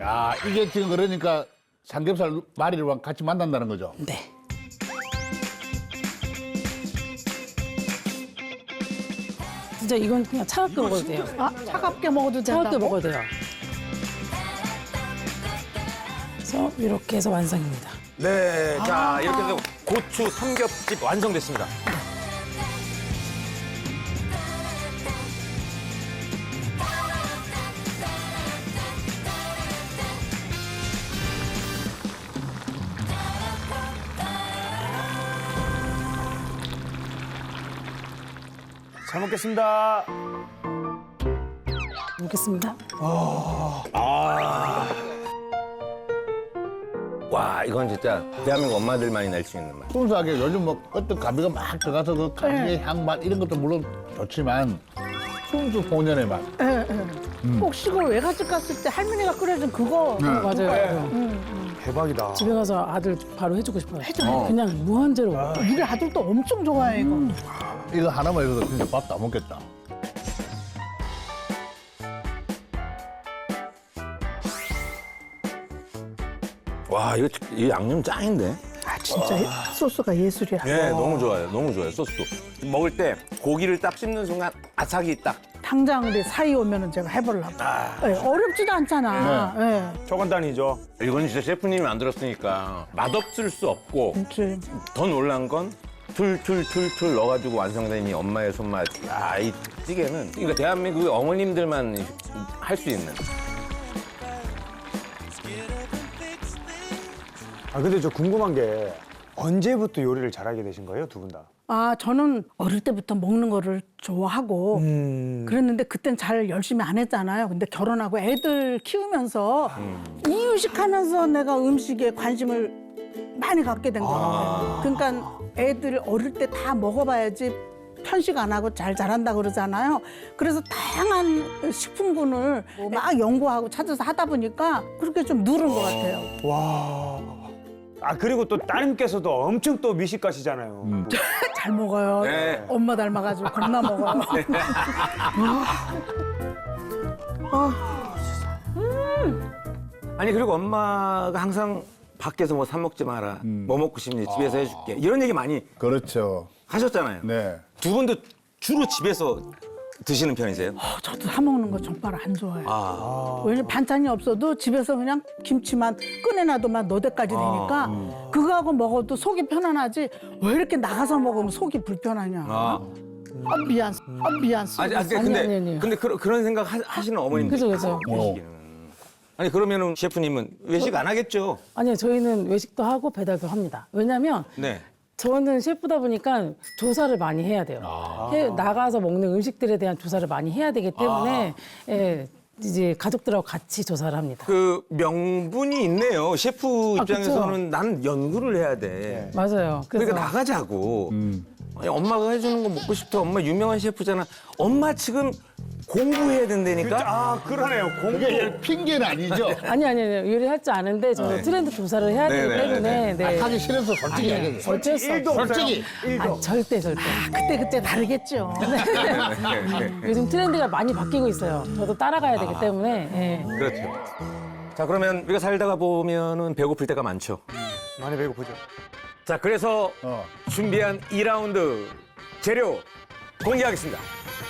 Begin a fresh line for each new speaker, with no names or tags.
야, 이게 지금 그러니까 삼겹살 마리랑 같이 만난다는 거죠?
네. 진짜 이건 그냥 차갑게 먹어도 돼요.
아, 차갑게 먹어도 된다고?
차갑게 먹어도 돼요. 그래서 이렇게 해서 완성입니다.
네, 자 이렇게 해서 고추 삼겹집 완성됐습니다.
잘 먹겠습니다.
먹겠습니다.
와 이건 진짜 대한민국 엄마들만이 낼 수 있는 맛.
순수하게 요즘 뭐 어떤 가비가 막 들어가서 그 가비의 향맛 이런 것도 물론 좋지만 순수 본연의 맛.
꼭 시골 외갓집 갔을 때 할머니가 끓여준 그거.
맞아요.
대박이다.
집에 가서 아들 바로 해주고 싶어요. 그냥 무한대로.
우리 아들도 엄청 좋아해, 이거.
이거 하나만 해도 진짜 밥 다 먹겠다.
와 이거 이 양념 짱인데?
아, 진짜 소스가 예술이야.
네, 너무 좋아요. 너무 좋아요. 소스도. 먹을 때 고기를 딱 씹는 순간 아삭이 딱.
당장 우리 사이 오면은 제가 해보려고. 네, 어렵지도 않잖아. 네.
초간단이죠.
이건 진짜 셰프님이 만들었으니까 맛없을 수 없고
그치.
더 놀란 건 툴툴툴툴 넣어가지고 완성된 이 엄마의 손맛. 야, 이 찌개는 그러니까 대한민국의 어머님들만 할 수 있는.
아 근데 저 궁금한 게 언제부터 요리를 잘하게 되신 거예요, 두 분 다?
아, 저는 어릴 때부터 먹는 거를 좋아하고 그랬는데 그땐 잘 열심히 안 했잖아요. 근데 결혼하고 애들 키우면서 이유식하면서 내가 음식에 관심을 많이 갖게 된 거예요. 그러니까 애들 어릴 때 다 먹어봐야지 편식 안 하고 잘 자란다 그러잖아요. 그래서 다양한 식품군을 막 연구하고 찾아서 하다 보니까 그렇게 좀 늘은 것 같아요.
와. 아 그리고 또 따님께서도 엄청 또 미식가시잖아요.
잘 먹어요.
네.
엄마 닮아가지고 겁나 먹어요.
아니 그리고 엄마가 항상 밖에서 뭐 사 먹지 마라. 뭐 먹고 싶니? 집에서 해줄게. 이런 얘기 많이
그렇죠.
하셨잖아요.
네.
두 분도 주로 집에서 드시는 편이세요?
저도 사 먹는 거 정말 안 좋아해요.
아.
왜냐면 반찬이 없어도 집에서 그냥 김치만 꺼내놔도만 너댓까지 되니까 그거하고 먹어도 속이 편안하지 왜 이렇게 나가서 먹으면 속이 불편하냐.
아.
미안. 미안.
아니.
근데 그런 생각 하시는 어머님들.
그죠.
계시기는. 아니 그러면은 셰프님은 외식 안 하겠죠?
아니요, 저희는 외식도 하고 배달도 합니다. 왜냐면
네.
저는 셰프다 보니까 조사를 많이 해야 돼요. 나가서 먹는 음식들에 대한 조사를 많이 해야 되기 때문에 예, 이제 가족들하고 같이 조사를 합니다.
그 명분이 있네요. 셰프
아,
입장에서는
그쵸?
나는 연구를 해야 돼.
맞아요. 그래서
그러니까 나가자고. 아니, 엄마가 해주는 거 먹고 싶다. 엄마 유명한 셰프잖아. 엄마 지금 공부해야 된다니까.
아 그러네요. 공부.
그게 핑계는 아니죠.
아니요. 요리할 줄 아는데 저는 트렌드 조사를 해야 되기
네네네.
때문에 네.
하기 싫어서 솔직히 얘기해요.
어쩔 수
일도
없어요.
없어요.
솔직히.
일도.
아니, 절대.
그때 다르겠죠.
요즘 트렌드가 많이 바뀌고 있어요. 저도 따라가야 되기 때문에. 예.
그렇죠. 자 그러면 우리가 살다가 보면은 배고플 때가 많죠.
많이 배고프죠.
자 그래서
어.
준비한 2라운드 재료 공개하겠습니다.